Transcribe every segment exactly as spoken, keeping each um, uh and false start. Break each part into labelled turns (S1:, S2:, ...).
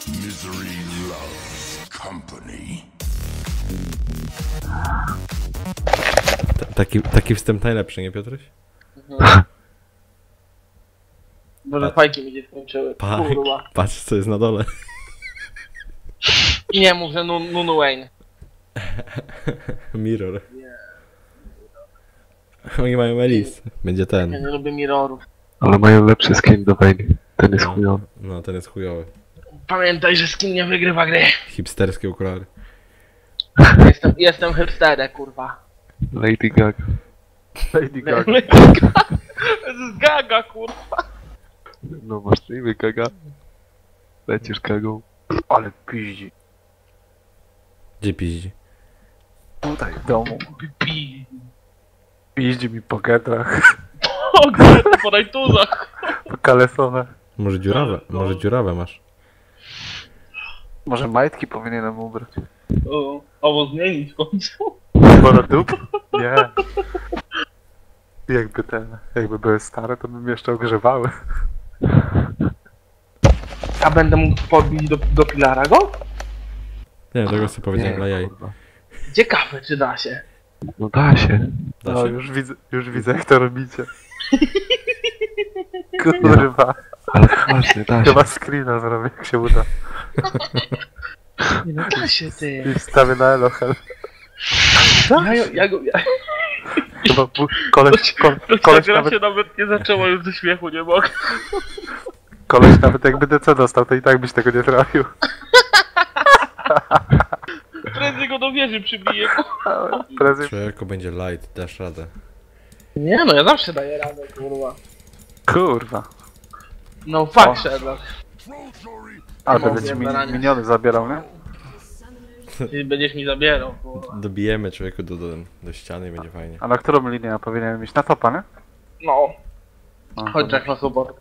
S1: Misery loves company.
S2: Ta, taki, taki wstęp najlepszy, nie Piotruś?
S3: Mhm. Może fajki mi się skończyły.
S2: Pa,
S3: Kurwa.
S2: patrz co jest na dole.
S3: I nie mów, że Nun- Nunu Wayne.
S2: Mirror. Oni mają Elis. Będzie
S3: Ja
S2: ten.
S3: nie lubię mirrorów.
S4: Ale mają lepszy skin do Vayne. Ten jest
S2: No,
S4: chujowy.
S2: no ten jest chujowy.
S3: Pamiętaj, że skin nie wygrywa gry.
S2: Hipsterskie okulary.
S3: Jestem, jestem hipsterem, kurwa.
S4: Lady Gaga.
S5: Lady Gaga.
S3: To jest gaga, kurwa.
S4: No masz na imię Gaga. Lecisz Gagą.
S5: Ale piździ.
S2: Gdzie piździ?
S5: Tutaj w domu.
S3: Pi.
S5: Piździ mi po getrach,
S3: O, gdzie po rajtuzach.
S5: po kalesonach.
S2: Może dziurawe? Może dziurawe masz?
S5: Może majtki powinienem ubrać.
S3: O, albo zmienić w końcu.
S5: Borodup? Nie. Jakby te, jakby były stare, to bym jeszcze ogrzewały.
S3: A będę mógł podbić do, do pilara go?
S2: Nie, tego sobie powiedziałem dla jaj.
S5: kurwa.
S3: Ciekawe, czy da się.
S4: No da się.
S2: Da
S5: No
S2: się?
S5: już widzę, już widzę jak to robicie. Kurwa.
S4: Ale poważnie, da się.
S5: Chyba screena zrobię jak się uda.
S3: Nie no, da się, ty.
S5: I wstawię na Elohel.
S3: Ja, ja, ja, go- ja,
S5: Chyba bu- koleś, ko,
S3: ta
S5: koleś,
S3: gra
S5: nawet,
S3: się nawet nie zaczęła już ze śmiechu, nie mogę.
S5: koleś nawet jakby D C dostał, to i tak byś tego nie trafił.
S3: Prędzej go do wieży przybiję.
S5: Prędzej...
S2: Człowieku będzie light, dasz radę.
S3: Nie no, ja zawsze daję radę, kurwa.
S5: Kurwa.
S3: No
S5: O.
S3: fuck, Sherlock.
S5: A,
S3: No,
S5: będę ci
S3: zjadł
S5: mi, miniony zabierał, nie?
S3: Ty będziesz mi zabierał, kurwa.
S2: Dobijemy człowieku do, do, do ściany i będzie fajnie.
S5: A na którą linię ja powinienem iść? Na topa, nie?
S3: No,
S5: A,
S3: chodź jak na sobotę.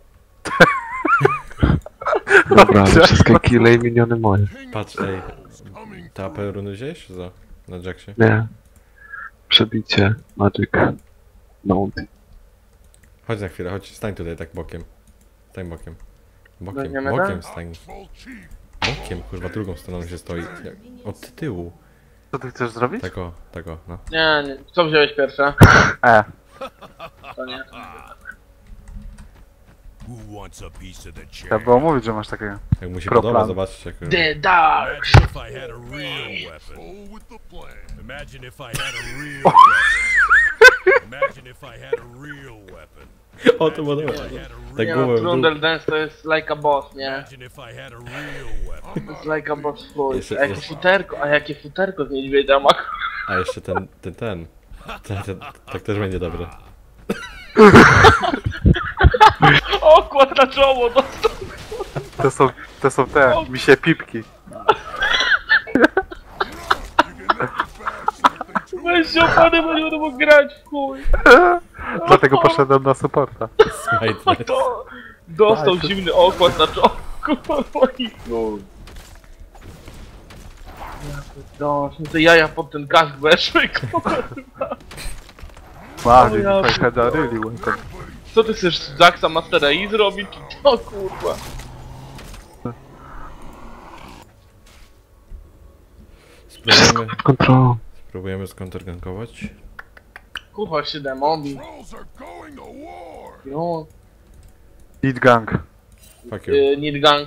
S4: Dobra, ale wszystkie kile i miniony moje.
S2: Patrz, ej. Ta apel runy wziąłeś? Co? Na Jacksie?
S4: Nie. Przebicie. Magic. Mount.
S2: Chodź na chwilę, chodź, stań tutaj tak bokiem. Stań bokiem. Bokiem,
S3: Weźmiemy
S2: bokiem
S3: tam?
S2: stań. Bokiem, kurwa, drugą stroną się stoi. Jak- Od tyłu.
S5: Co ty chcesz zrobić?
S2: Tak o, tak o, no.
S3: Nie, nie. Co wziąłeś pierwsze?
S5: E.
S3: To nie.
S1: Who wants a piece of the
S5: Trzeba
S1: chair?
S5: było mówić, że masz takiego.
S2: Jak mu się
S5: Pro
S2: podoba,
S5: plan.
S2: zobaczcie jak...
S3: The Dark!
S6: Imagine if I had a real weapon.
S1: Roll with the plan.
S6: Imagine if I had a real weapon. Imagine if I had a real weapon.
S2: O, to było
S6: Imagine
S2: dobre.
S6: if I had a
S2: Tak
S3: Nie
S6: real
S2: było.
S3: no, Trundle Dance to jest like a boss, nie?
S6: Imagine if I had a real weapon.
S3: To jest like a boss full.
S2: Jeszcze-
S3: A jakie
S2: jeszcze-
S3: futerko, a jakie futerko z niedźwiedzia ma?
S2: A jeszcze ten, ten, ten. ten, ten tak też będzie dobre.
S3: O, kład na czoło, no.
S5: To są, to są te, misie pipki.
S3: Weź się opany, bo nie będę mógł grać, w chuj.
S5: Dlatego poszedłem na supporta.
S2: Smite.
S3: To dostał zimny okład na czoło. Kurwa, moi chuj. No, te jaja pod ten kask weszły, kurwa.
S5: Wow,
S3: O ja
S5: if I had a really weapon.
S3: Co ty chcesz z Jacksa Mastera i zrobić? O kurwa.
S2: Spróbujemy,
S4: Pod kontrolą.
S2: spróbujemy skontrgankować.
S3: Kurwa się demobi.
S1: Trolls are going to war.
S3: No,
S5: Eat gang.
S2: Fuck you.
S3: y, need gang.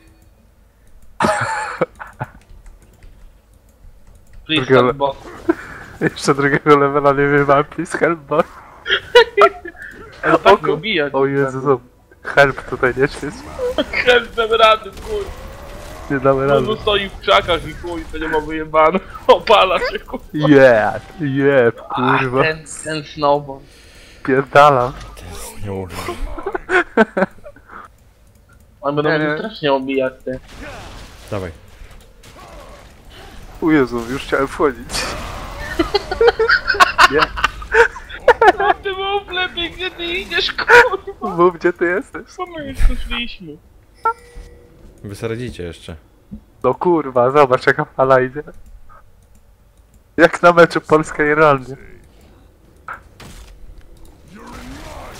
S3: Please
S5: Drugiego-
S3: help bot.
S5: Jeszcze drugiego levela nie wiem, mam please help bot.
S3: Ale tak mnie obija.
S5: O Jezu, help tutaj nie świeć.
S3: Help, damy rady, chuj.
S5: Nie damy rady.
S3: On stoi w krzakach i chuj, to nie ma wyjebane. Opala się, kurwa.
S5: Yeah, yeah, kurwa.
S3: A, ten, ten snowball.
S5: Pierdalam.
S2: Nie mówię.
S3: On będą
S5: Nie,
S3: mnie
S5: nie.
S3: strasznie obijać, ty.
S2: Dawaj.
S5: O Jezu, już chciałem wchodzić. Nie,
S3: No ty mów lepiej, gdzie ty idziesz, kurwa.
S5: mów gdzie ty jesteś.
S3: Co my jeszcze szliśmy?
S2: Wy sobie radzicie jeszcze.
S5: No kurwa, zobacz jaka fala idzie. Jak na meczu Polska-Irlandia.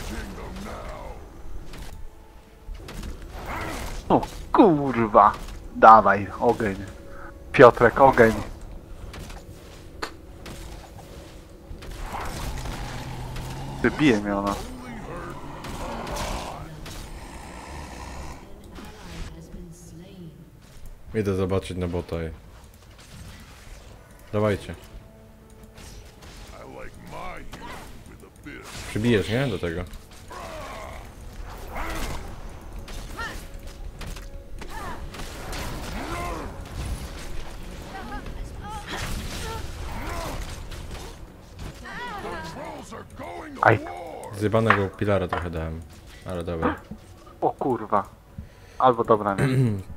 S5: O kurwa. Dawaj, ogień. Piotrek, ogień. Ty bije mnie ona.
S2: Idę zobaczyć na bota i... Dawajcie.
S1: I like my human with a bit of
S2: Przybijesz, nie? Do tego.
S1: trolls are going to
S5: Aj.
S1: war.
S2: Zjebanego pilara trochę dałem. Ale dobra.
S5: O kurwa. Albo dobra, nie.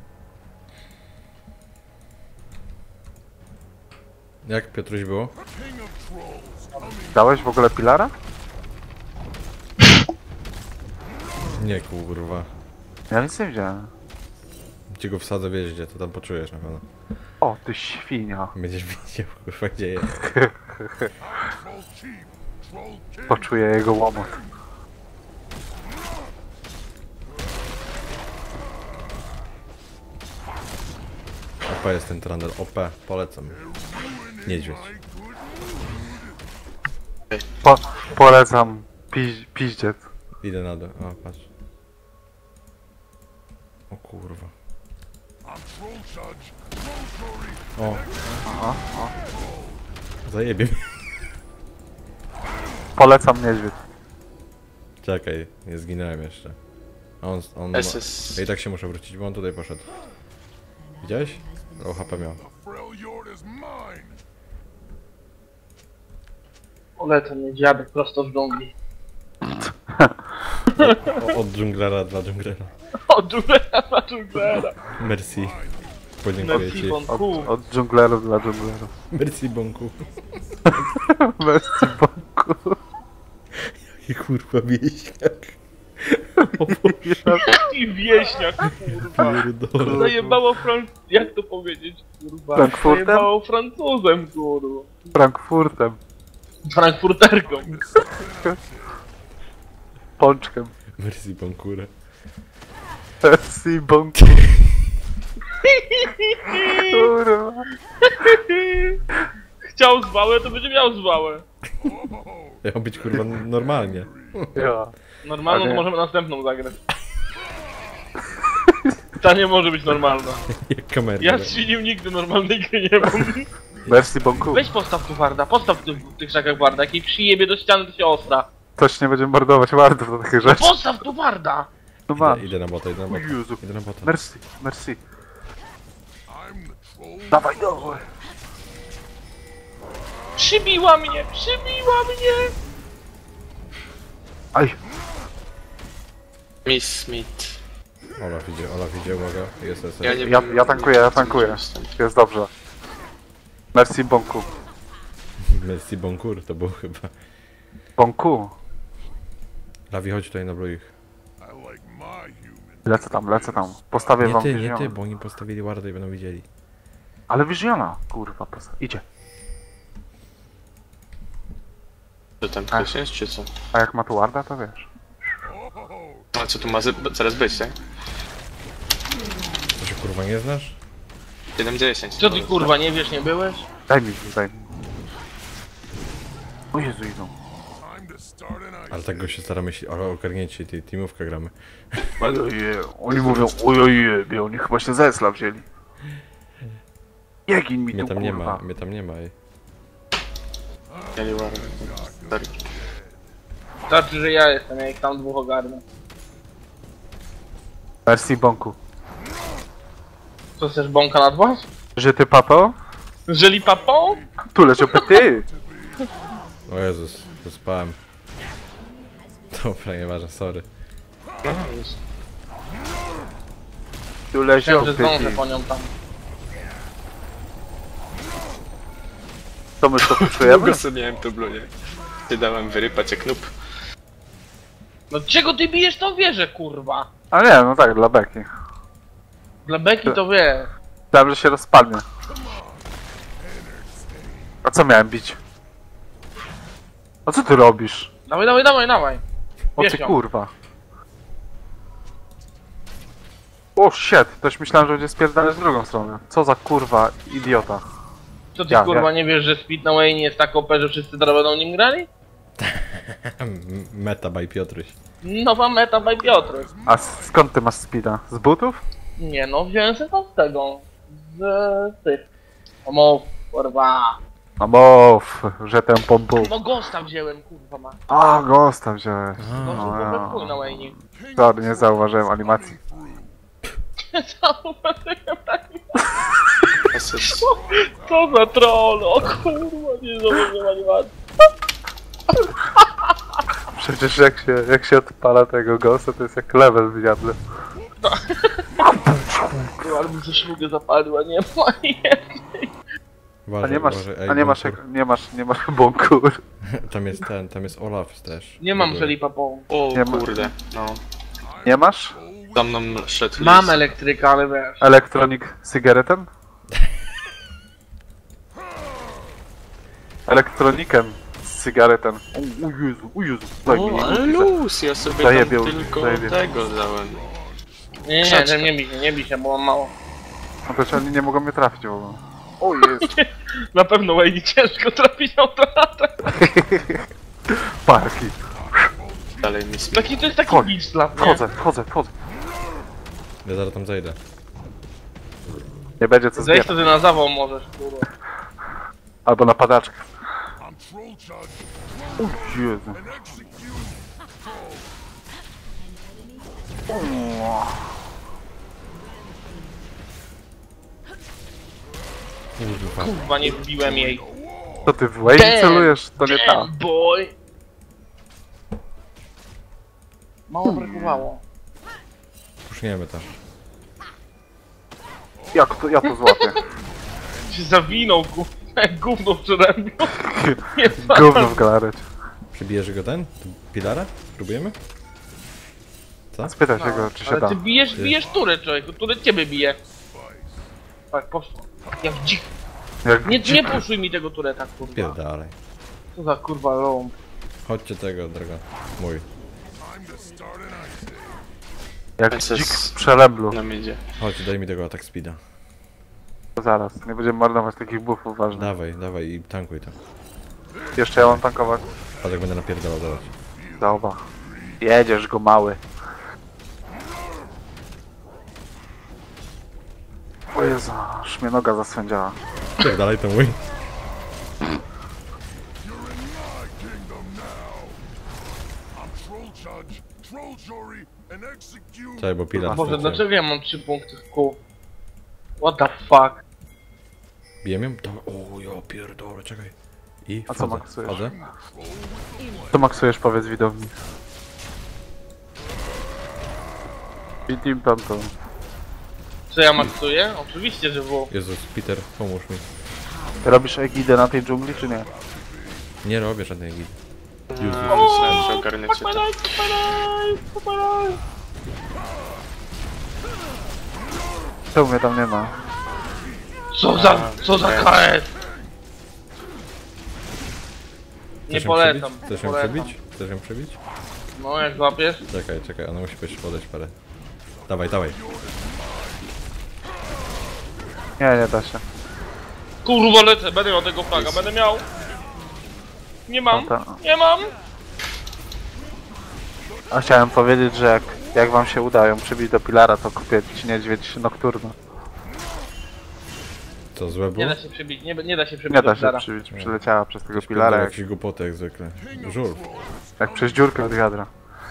S2: Jak Piotruś było?
S1: King of trolls coming.
S5: Dałeś w ogóle pilara?
S2: Nie kurwa.
S5: Ja nic nie widziałem.
S2: Ci go wsadzę w jeździe, to tam poczujesz na pewno.
S5: O, ty świnia.
S2: Będziesz widział kurwa gdzie jest.
S1: Troll chief. Troll king.
S5: Poczuję jego łomot.
S2: O P jest ten trandel. O P, polecam. Niedźwiedź.
S5: Po, polecam piź, piździec.
S2: Idę na dół. O, patrz. O kurwa.
S1: I'm troll judge. Troll Tory.
S2: O. Zajebie mnie.
S5: Polecam niedźwiedź.
S2: Czekaj, nie zginąłem jeszcze. A on, on ma...
S7: S S.
S2: Ja i tak się muszę wrócić, bo on tutaj poszedł. Widziałeś? O H P miał.
S1: The Freljord is mine.
S3: Polecę mnie dziadek prosto z dżungli.
S2: O, od dżunglera dla dżunglera.
S3: O, dżunglera na dżunglera.
S2: Merci. Podziękuję
S3: Merci
S2: ci.
S3: bon coup.
S5: Od dżunglerów dla dżunglerów.
S2: Merci bonku.
S5: Merci boku.
S2: I kurwa wieśniak.
S3: I wieśniak, kurwa.
S2: Pierdolę.
S3: Zajebało Fran... Jak to powiedzieć, kurwa?
S5: Frankfurtem?
S3: Zajebało Francuzem, kurwa.
S5: Frankfurtem.
S3: Frankfurterką.
S5: Pączkiem.
S2: Merci bonkure.
S5: Merci boku. Kurwa.
S3: Chciał zwałę, to będzie miał zwałę.
S2: Miał być kurwa normalnie.
S5: Ja.
S3: Normalną
S5: Ale-
S3: to możemy następną zagrać. Ta nie może być normalna.
S2: Jak kamery.
S3: Ja z Świnim nigdy normalnej gry nie mam.
S5: Merci boku.
S3: Weź postaw tu Warda, postaw tu w tych szakach Warda. Jak jej przyjebie do ściany, to się ostra.
S5: Ktoś nie będzie mordować wardów do takich rzeczy.
S3: Postaw tu Warda!
S5: No ma.
S2: Idę, idę na bota, idę na
S5: O
S2: bota.
S5: Jezu.
S2: Idę na bota.
S5: Merci, merci.
S1: I'm the troll.
S5: Dawaj, dawaj.
S3: Przybiła mnie, przybiła mnie!
S5: Aj.
S7: Miss Smith.
S2: Olaf idzie, Olaf idzie, uwaga. Jest, jest,
S7: Ja,
S2: jest.
S7: nie
S5: Ja,
S7: wiem,
S5: ja tankuję, ja
S7: co
S5: tankuję.
S7: możemy z
S5: Jest dobrze. Merci bonku.
S2: Merci bonkur to było chyba.
S5: Bonku.
S2: Lawi, chodź tutaj na ich.
S1: I like my human.
S5: Lecę tam, lecę tam. Postawię
S2: Nie
S5: wam
S2: ty, nie
S5: Visiona.
S2: ty, bo oni postawili wardę i będą widzieli.
S5: Ale Visiona, kurwa, posta- idzie.
S7: Co tam, ktoś jest, czy co?
S5: A jak ma tu warda, to wiesz.
S1: Oh,
S7: A co tu ma z- zaraz być, tak?
S2: To się kurwa nie znasz?
S7: siedem dziesięć.
S3: Co ty kurwa, nie wiesz, nie byłeś?
S5: Daj mi, daj mi. O Jezu, idą.
S1: time to start an ice.
S2: Ale tak go się staramy się, ale ogarnięcie tej teamówkę gramy.
S5: Ojeje, oni mówią, ojeje, oni chyba się ze Esla wzięli. Jegin mi
S2: Mnie
S5: tu,
S2: tam nie ma,
S5: kurwa.
S2: mnie tam nie ma ej.
S7: Ja nie ładnie. Sorry.
S3: Znaczy, że ja jestem, ja ich tam dwóch ogarnę.
S5: Merci bonku.
S3: Co chcesz, bąka na dwa?
S5: Że ty papo?
S3: Żeli papą?
S5: Tu leżą ty!
S2: O Jezus, zaspałem. Dobra, nieważne, sorry.
S3: No, już.
S5: Tu leżą
S3: Myślałem, że
S5: ty.
S3: zdążę po nią tam.
S5: To my to poczujemy?
S7: Długo sobie miałem to blunie. Ty dałem wyrypać jak noob.
S3: No czego ty bijesz tą wieżę, kurwa?
S5: A nie, no tak, dla beki.
S3: Dla Beki to wie.
S5: Myślałem, że się rozpadnie. A co miałem bić? A co ty robisz?
S3: Dawaj, dawaj, dawaj, dawaj.
S5: O
S3: Bierz
S5: ty
S3: ją.
S5: kurwa. O shit, też myślałem, że będzie spierdalać w drugą stronę. Co za kurwa idiota.
S3: Co ty
S5: Ja,
S3: kurwa
S5: ja.
S3: nie wiesz, że Speed na Wayne jest tak O P, że wszyscy teraz będą nim grali?
S2: M- Meta by Piotruś.
S3: Nowa meta by Piotr.
S5: A s- skąd ty masz speeda? Z butów?
S3: Nie no, wziąłem sobie to z tego. Z tych. Omów, kurwa.
S5: No mów, że ten pompu.
S3: No Ghosta wziąłem, kurwa ma.
S5: A, Ghosta wziąłeś.
S3: No
S5: No,
S3: kurwa
S5: ja.
S3: chuj na Wayne.
S5: Sorry, nie zauważyłem animacji.
S7: Asyst.
S3: Co za troll, o kurwa, nie zauważyłem animacji.
S5: Przecież jak się, jak się odpala tego Ghosta, to jest jak level w Diablo.
S3: Kurwa, ale bym ze szlugę zapalił, a nie ma jednej.
S5: A
S2: Uważaj,
S5: nie masz,
S2: uważaj, ej,
S5: a nie masz,
S2: bunkur.
S5: jak- nie masz, nie masz bunkur.
S2: Tam jest ten, tam jest Olaf też.
S3: Nie mam
S2: Dobra.
S3: Felipa po.
S7: O
S5: Nie ma-
S7: kurde, no.
S5: Nie masz?
S7: Za mną szedł
S3: Mam
S7: lis.
S3: elektryka, ale wiesz.
S5: Electronic Cigaretten? Elektronikiem z cygaretem. O, o Jezu, o Jezu. Daj mi,
S7: O, ale luz, ja sobie
S5: Zajebiał,
S7: tam tylko
S5: zajebiał.
S7: tego dałem.
S3: Nie, nie,
S7: Krzaczka.
S3: nie, nie bij się, nie bij się, bo mam mało.
S5: No to czy oni nie mogą mnie trafić w ogóle. O Jezu.
S3: Na pewno Wayne ciężko trafić na utratę.
S5: Parki.
S7: Dalej mi smi.
S3: Taki to jest taki
S5: Chodź,
S3: glitch dla mnie.
S5: Wchodzę, wchodzę, wchodzę.
S2: Ja zaraz tam zejdę.
S5: Nie będzie co
S3: Zejść
S5: zbierać.
S3: wtedy na zawał możesz, kurwa.
S5: Albo na padaczkę.
S1: I'm troll charge
S5: O Jezu.
S1: and execute.
S2: Kurwa.
S3: Kurwa, nie wbiłem jej.
S5: To ty w Wayne celujesz? To nie ta.
S3: Damn, boy! Mało brakowało.
S2: Puszniemy to.
S5: Jak to, ja to złapię.
S3: Się zawinął, kurwa, jak gówno przede mną. Nie
S5: Gówno w galarecie.
S2: Przybijesz go ten? Pilara? Próbujemy?
S5: Spytaj się go, czy się
S3: Ale
S5: da.
S3: ty bijesz, bijesz turę, człowieku, turę ciebie bije. Tak, poszło. Jak dzik.
S5: Jak
S3: Nie, nie
S5: dzik.
S3: puszuj mi tego tureta, kurwa.
S2: Pierdalej.
S3: Co za kurwa ląd.
S2: Chodźcie tego, droga. Mój.
S1: Time to start an ice age.
S5: Jak
S7: Princess-
S5: dzik w przelęblu.
S7: Nam idzie.
S2: Chodź, daj mi tego atak speeda.
S5: Zaraz, nie będziemy marnować takich buffów ważnych.
S2: Dawaj, dawaj i tankuj to.
S5: Jeszcze ja mam tankować.
S2: Patrz jak będę napierdalał zaraz.
S5: Dobra. Jedziesz go mały. O Jezu, aż mnie noga zaswędziała.
S2: Pierdalaj to mój.
S1: You're in my kingdom now. I'm troll charge, troll jury, and execute.
S2: Czekaj, bo pilar
S3: Boże,
S2: straciłem.
S3: dlaczego ja mam trzy punkty w kół? What the fuck?
S2: Bijem ją? To... O, ja pierdolę, czekaj. I
S5: A co
S2: wchodzę,
S5: maksujesz?
S2: wchodzę.
S5: Co maksujesz, powiedz widowni. I team tamto.
S3: Co ja maksuję? Oczywiście, że było.
S2: Jezus, Peter, pomóż mi.
S5: Robisz egidę na tej dżungli, czy nie?
S2: Nie robię żadnej git.
S7: Myślałem, że ogarniecie to.
S5: Czemu mnie tam nie ma?
S3: Co za, co za K S? Nie
S2: Chcesz ją
S3: polecam,
S2: przebić?
S3: nie
S2: Chcesz ją
S3: polecam.
S2: przebić? Chcesz ją przebić?
S3: No jak złapiesz?
S2: Czekaj, czekaj, ona musi być podejść parę. Dawaj, dawaj.
S5: Nie, nie da się.
S3: Kurwa lecę, będę miał tego flaga, będę miał. Nie mam,
S5: No to-
S3: nie mam.
S5: A chciałem powiedzieć, że jak, jak wam się udają przybić do pilara, to kupię ci niedźwiedź nocturno.
S2: Co, złe było?
S3: Nie da się przebić, nie, nie da się przebić
S5: Nie
S3: do
S5: da się
S3: filara.
S5: przybić, przyleciała przez tego
S2: Pilara
S5: pilara, jak,
S2: jakieś głupoty jak zwykle. Żul.
S5: jak przez dziurkę od wiadra.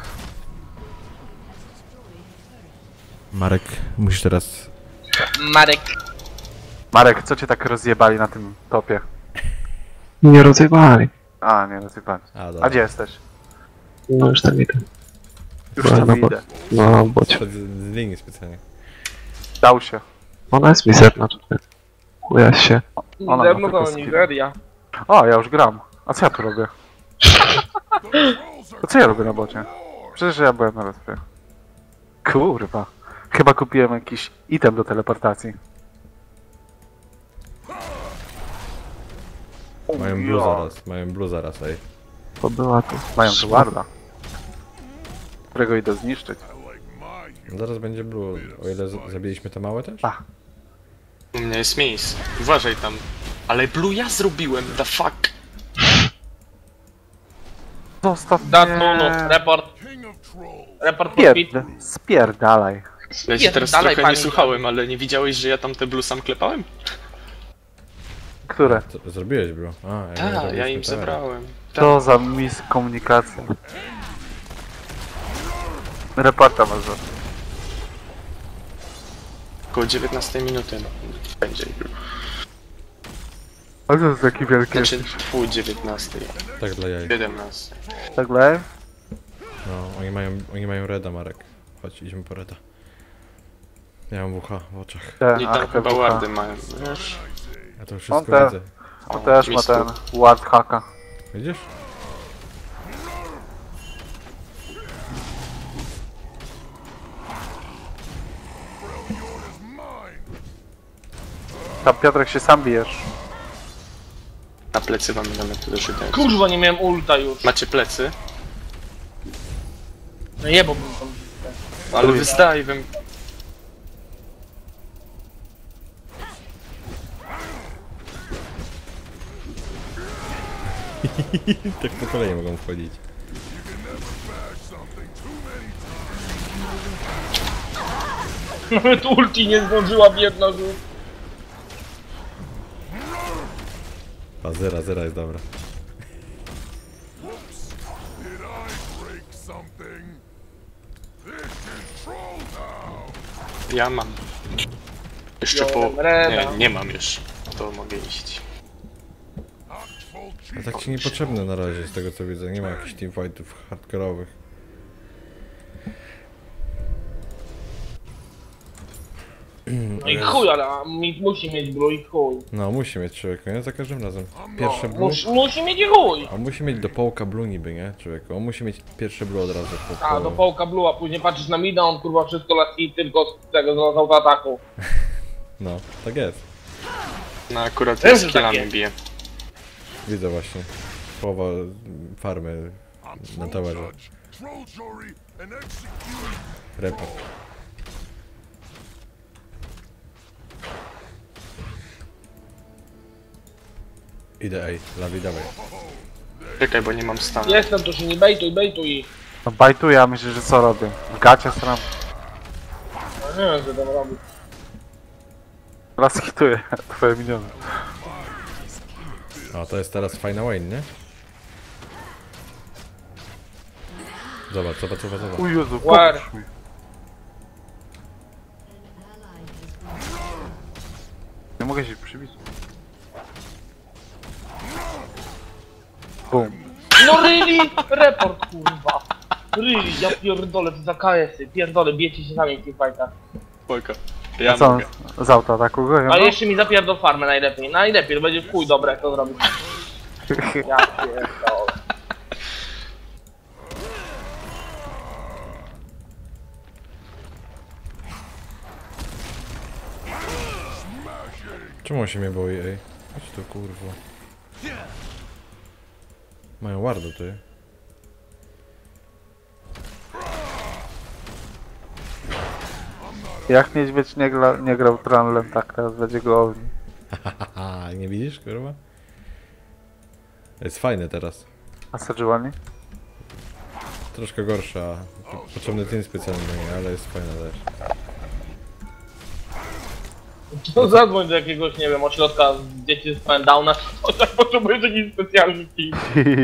S2: Marek, musisz teraz...
S3: Marek.
S5: Marek, co cię tak rozjebali na tym topie?
S4: Nie rozjebali.
S5: A, nie rozjebali.
S2: A,
S5: A
S2: dobra.
S5: gdzie jesteś?
S4: No już tam idę.
S5: Już
S4: Byłem
S5: tam
S4: na bo-
S5: idę.
S4: No, bocie.
S2: Z, z linii specjalnie.
S5: Dał się.
S4: Ona jest mizerna tutaj. Chuja się.
S5: Ona
S3: Ze
S5: ma
S3: mną
S5: tylko
S3: to
S5: skill.
S3: Nigeria.
S5: O, ja już gram. A co ja tu robię? A co ja robię na bocie? Przecież ja byłem na respie. Kurwa. Chyba kupiłem jakiś item do teleportacji.
S2: Mają blue zaraz, mają blue zaraz, ej.
S4: To była tu.
S5: Mają tu warda. Którego idę zniszczyć.
S1: I like my
S2: Zaraz będzie blue, o ile z- zabiliśmy te małe też?
S5: Pa.
S7: U mnie jest miejsce. Uważaj tam. Ale blue ja zrobiłem, the fuck.
S5: Zostaw
S3: Dat
S5: mnie.
S3: no, no, report.
S1: King of trolls.
S3: Report for speed.
S5: Spierd... Spierdalaj.
S7: Ja cię teraz
S3: dalej,
S7: trochę nie
S3: pani.
S7: słuchałem, ale nie widziałeś, że ja tam te blue sam klepałem?
S5: Które?
S2: Co, zrobiłeś blue? A, ja nie
S7: Tak, ja
S2: zrobiliśmy
S7: im
S2: teraz.
S7: zabrałem.
S5: To za miskomunikacja. Reporta masz za.
S7: Około dziewiętnastej minuty no, będzie blue.
S5: A to jest taki wielki.
S7: Znaczy pół dziewiętnastej.
S2: Tak dla jaj.
S7: siedemnastej.
S5: Tak dalej?
S2: No, oni mają, oni mają reda, Marek. Chodź, idźmy po reda. Ja mam W H w oczach.
S5: Te,
S7: I
S5: ach,
S7: tam
S5: te
S7: chyba
S5: bucha.
S7: wardy mają, wiesz?
S2: Ja to
S5: On
S2: wszystko
S5: te-
S2: widzę.
S5: On też ma
S7: mistrzu.
S5: ten ward haka.
S2: Widzisz?
S5: Tam Piotrek się sam bijesz.
S7: Na plecy wam mamy tu dożyte.
S3: Kurwa, nie miałem ulta już.
S7: Macie plecy?
S3: No jebałbym tam.
S7: Ale wy z dive'em.
S2: Tak po kolei mogą wchodzić.
S3: Nawet ulti nie zdążyła biedna żółt.
S2: A zera, zera jest dobra.
S1: Did I break something? This is troll town.
S7: Ja mam. Jeszcze po...
S3: Wziąłem reda.
S7: Nie, nie mam już. To mogę iść.
S1: Hot troll
S2: A
S1: chief.
S2: tak ci niepotrzebne na razie z tego co widzę. Nie ma jakichś teamfightów hardkorowych.
S3: No i chuj, ale mi, musi mieć blue i chuj.
S2: No musi mieć człowieku, nie? Za każdym razem. Pierwsze blue.
S3: Mus, musi mieć i chuj.
S2: A musi mieć do połka blue niby, nie? Człowieku. On musi mieć pierwsze blue od razu. Po,
S3: A, do połka blue, a później patrzysz na mida, on kurwa wszystko leci tylko z tego, z autoataku.
S2: No, tak jest.
S7: No akurat
S3: Wiem,
S7: ja
S3: że
S7: z killami
S3: takie.
S7: biję.
S2: Widzę właśnie. Połowa farmy
S1: I'm
S2: na
S1: troll
S2: towerze.
S1: judge, troll jury, and execute.
S2: Report. Idę, ej, lawi, dawaj.
S7: Czekaj, bo nie mam stanu.
S3: Jestem, to się nie bejtuj, bejtuj.
S5: No bajtuję, a myślisz, że co robię? W gacie stram.
S3: No nie wiem, co tam robić.
S5: Raz hituję twoje miniony.
S2: A to jest teraz fajna Wayne, nie? Zobacz, zobacz, zobacz, zobacz.
S5: O Jezu,
S3: War.
S5: pomóż mi. Nie mogę się przybić. Bum.
S3: No really? Report kurwa. Really, ja pierdolę, to za K S-y, pierdolę, bijecie się sami w tych fightach.
S7: Spoko.
S5: A
S7: Ja
S5: co,
S7: mogę.
S5: z autoataku go?
S3: A jeszcze mi zapierdol farmę najlepiej. Najlepiej, to będzie w chuj dobre, jak to zrobić. Ja pierdolę.
S2: Czemu on się mnie boi, ej? Chodź tu, kurwa. Mają wardo, ty.
S5: Jak niedźwiedź nie, gra, nie grał Tranlem, tak teraz będzie go ogni.
S2: Haha, nie widzisz, kurwa? Jest fajny teraz.
S5: A Sejuani?
S2: Troszkę gorsza. Potrzebny team specjalny, ale jest fajna też.
S3: To zadzwoń do jakiegoś, nie wiem, ośrodka z dzieci z Pendowna, to tak potrzebujesz jakiś specjalny team.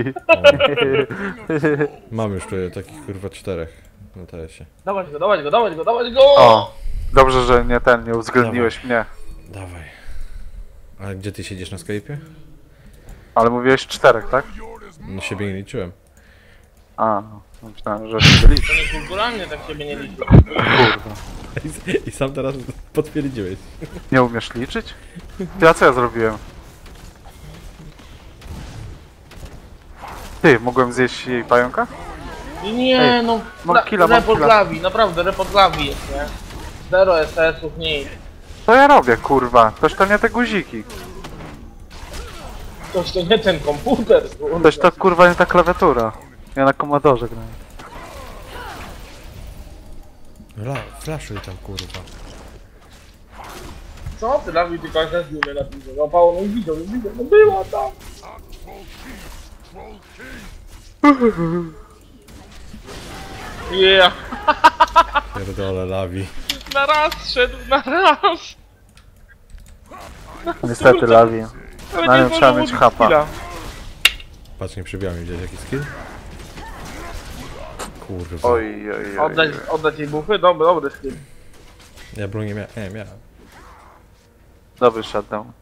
S2: Mam już tutaj takich kurwa czterech na teresie.
S3: Dawać go, dawać go, dawać go, dawać go!
S5: O! Dobrze, że nie ten, nie uwzględniłeś mnie.
S2: Dawaj. A gdzie ty siedzisz na Skype'ie?
S5: Ale mówiłeś czterech, tak?
S2: No siebie nie liczyłem.
S5: A, no, myślałem, że się liczy.
S3: To niekulturalnie tak siebie nie liczy.
S5: Kurwa.
S2: I, I sam teraz potwierdziłeś.
S5: Nie umiesz liczyć? Ja co ja zrobiłem? Ty, mogłem zjeść jej pająka?
S3: Nie
S5: Ej,
S3: no,
S5: mam
S3: ra-
S5: killa, mam
S3: report
S5: killa.
S3: lawi, naprawdę report lawi jest, nie? Zero S S-ów, nic.
S5: Co ja robię, kurwa? Toż to nie te guziki.
S3: Toż to nie ten komputer, kurwa.
S5: Toż to kurwa nie ta klawiatura. Ja na komodorze grałem.
S2: La, flaszuj tam kurwa.
S3: Co ty Dawid, tylko jak na zimę napisał? No Paweł, no widział, no widział, no była tam!
S1: Troll King!
S3: Yeah!
S2: Pierdolę lawi.
S3: Na raz szedł, na raz!
S5: Niestety lawi.
S3: Ale
S5: Na
S3: nie
S5: nią trzeba
S3: zdążył
S5: mieć
S3: użyć
S5: hapa.
S3: skilla.
S2: Patrz, nie przybiła mi, widziałeś jaki skill? Kurwa.
S5: Oj, oj, oj.
S3: Oddać, oddać jej buchy? Dobry, dobry skill.
S2: Ja broni nie miałem, nie miałem.
S5: Dobry shutdown.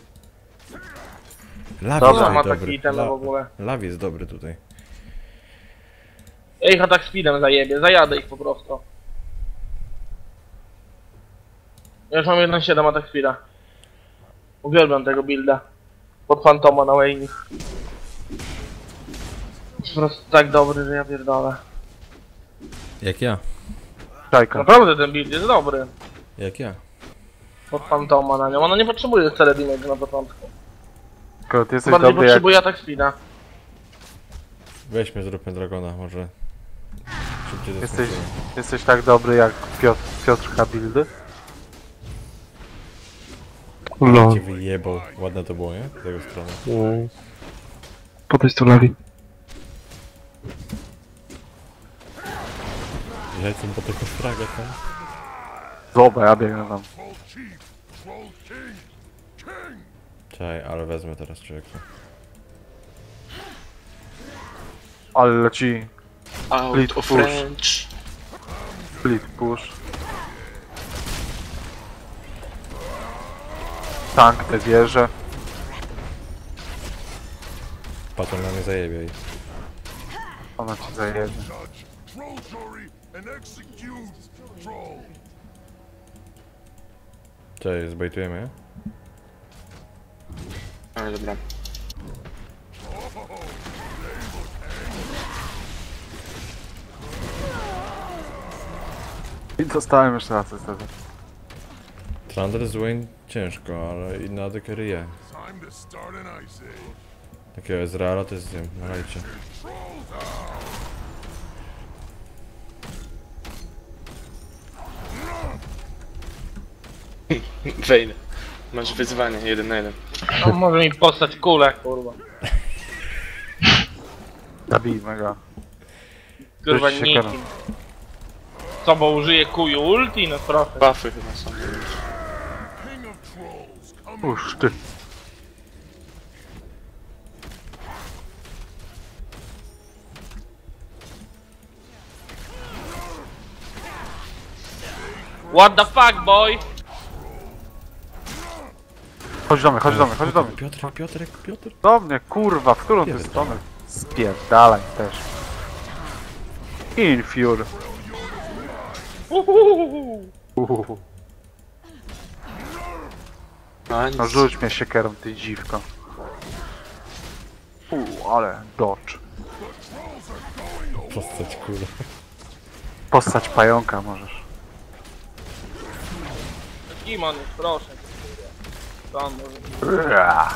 S2: Lawi
S5: Dobra,
S2: jest
S3: ma
S2: dobry.
S3: taki item w ogóle.
S2: Lawi jest dobry tutaj.
S3: Ja ich atak speedem zajebie, zajadę ich po prostu. Ja już mam jeden siedem atak speeda. Uwielbiam tego builda. Pod Fantoma na Wayne. Jest po prostu tak dobry, że ja pierdolę.
S2: Jak ja.
S5: Czajka.
S3: Naprawdę ten build jest dobry.
S2: Jak ja.
S3: Pod Fantoma na nią. Ona nie potrzebuje wcale damage na początku.
S5: Tylko ty jesteś
S3: Bardziej
S5: dobry jak...
S3: potrzebuje atak speeda.
S2: Weźmy, zróbmy dragona, może. Szybciej
S5: Jesteś,
S2: zaskoczymy.
S5: jesteś tak dobry jak Piotr, Piotrka buildy?
S2: No. Cię wyjebał. Ładne to było, nie? Z tego strony.
S4: Podejdź tu lawi.
S2: Lecę po tego fraga tam.
S5: Zobacz, ja biegnę tam.
S1: Troll Chief! Troll King! King!
S2: Czekaj, ale wezmę teraz człowieka.
S5: Ale leci
S7: Out
S5: Split
S7: of
S5: push.
S7: range.
S5: split push. Tank te wieże.
S2: Patrz, on na mnie zajebie i...
S5: Ona ci zajebie.
S1: Judge! Troll jury and execute! Troll!
S2: Cześć, zbejtujemy, je?
S7: Ale dobra.
S5: I dostałem jeszcze raz niestety.
S2: Thunder z Wayne ciężko, ale i na dekę ryje.
S1: Time to start an ice age!
S2: Takiego Ezreala to jest z tym, na rajcie.
S7: Wejdę. Masz wyzwanie, jeden na jeden.
S3: On może mi postać kulę, kurwa.
S5: Zabijmy go.
S3: Kurwa
S5: Weź się
S3: nikim.
S5: kara.
S3: Co, bo użyje kuju ulti? No proszę.
S7: Buffy chyba są.
S1: King of Trolls! Come
S5: Uż ty.
S3: What the fuck, boy?
S5: Chodź do mnie, chodź do mnie, chodź do mnie.
S2: Piotrek, Piotrek, Piotr.
S5: Do mnie, kurwa, w którą ty
S2: Pierdolę.
S5: stronę? Spierdalaj też. Infure.
S3: Uhuhuhu.
S5: Uhuhu.
S7: A nic.
S5: No rzuć mnie siekierą, ty dziwko. Uuu, ale dodge.
S2: Postać kule.
S5: Postać pająka możesz.
S3: Kim on jest, proszę. Co on może...
S5: Ua.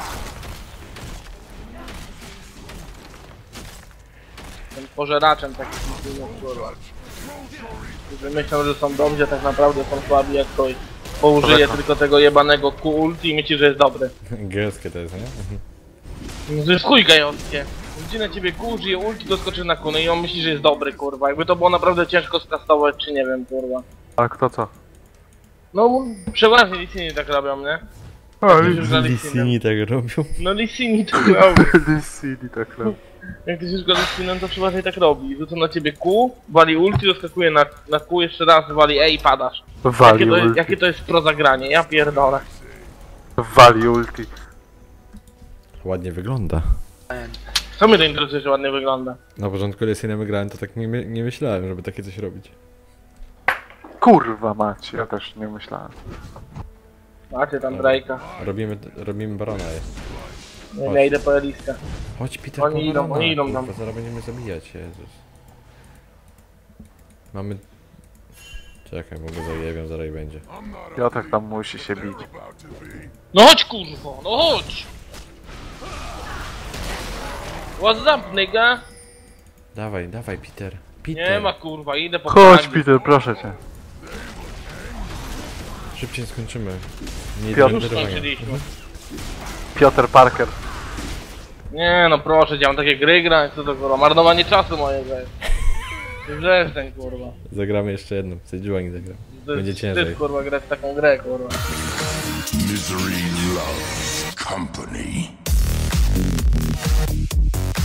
S3: Tym pożeraczem takich filmów, kurwa. Którzy myślą, że są dobrzy, a tak naprawdę są słabi jak ktoś. Bo użyje
S5: Koreka.
S3: tylko tego jebanego Q ulti i myśli, że jest dobry.
S2: Gelskie to jest, nie?
S3: No to jest chuj gejowskie. Rzuci na ciebie Q, użyje ulti, doskoczy na kunę i on myśli, że jest dobry, kurwa. Jakby to było naprawdę ciężko skastować, czy nie wiem, kurwa.
S5: Ale kto co?
S3: No, przeważnie Lissini tak robią, nie? Już za Lissinem.
S2: Lissini tak robią.
S3: No Lissini tak robi.
S5: Lissini tak robi.
S3: Jak ktoś już go Lissinem, to przeważnie tak robi. Rzuca na ciebie Q, wali ulti, doskakuje na, na Q, jeszcze raz wali E i padasz. Jakie
S5: Wali
S3: to, jest,
S5: ulti.
S3: jakie to jest pro zagranie, ja pierdolę.
S5: Wali ulti.
S2: Ładnie wygląda.
S3: Co mnie to interesuje, że ładnie wygląda?
S2: Na początku Lissinem grałem, to tak nie, my- nie myślałem, żeby takie coś robić.
S5: Kurwa mać, ja też nie myślałem.
S3: Macie tam Drake'a.
S2: Robimy, robimy barona je.
S3: Nie wiem, ja idę po Eliskę.
S2: Chodź Peter,
S3: Oni
S2: po
S3: idą,
S2: barona,
S3: oni idą
S2: kurwa,
S3: tam.
S2: zaraz będziemy zabijać, Jezus. Mamy... Czekaj, mogę zajebią, zaraz i będzie.
S1: I'm not
S5: Piotrek tam musi się bić.
S1: about to be.
S3: No chodź kurwo, no chodź! What's up, nigga?
S2: Dawaj, dawaj Peter. Peter.
S3: Nie ma kurwa, idę po
S5: Chodź
S3: flagi.
S5: Peter, proszę cię.
S2: Szybciej skończymy. Nie
S5: Piotr.
S3: Już
S2: denerwowania.
S3: skończyliśmy.
S5: Piotr Parker.
S3: Nie no proszę cię, mam takie gry grać, co to kurwa, marnowanie czasu mojego jest. Wrzeszczeń kurwa.
S2: Zagramy jeszcze jedną. Sejuani zagra.
S3: To
S2: Będzie
S3: jest
S2: ciężej.
S3: wstyd, kurwa grać w taką grę kurwa.
S1: Misery loves company.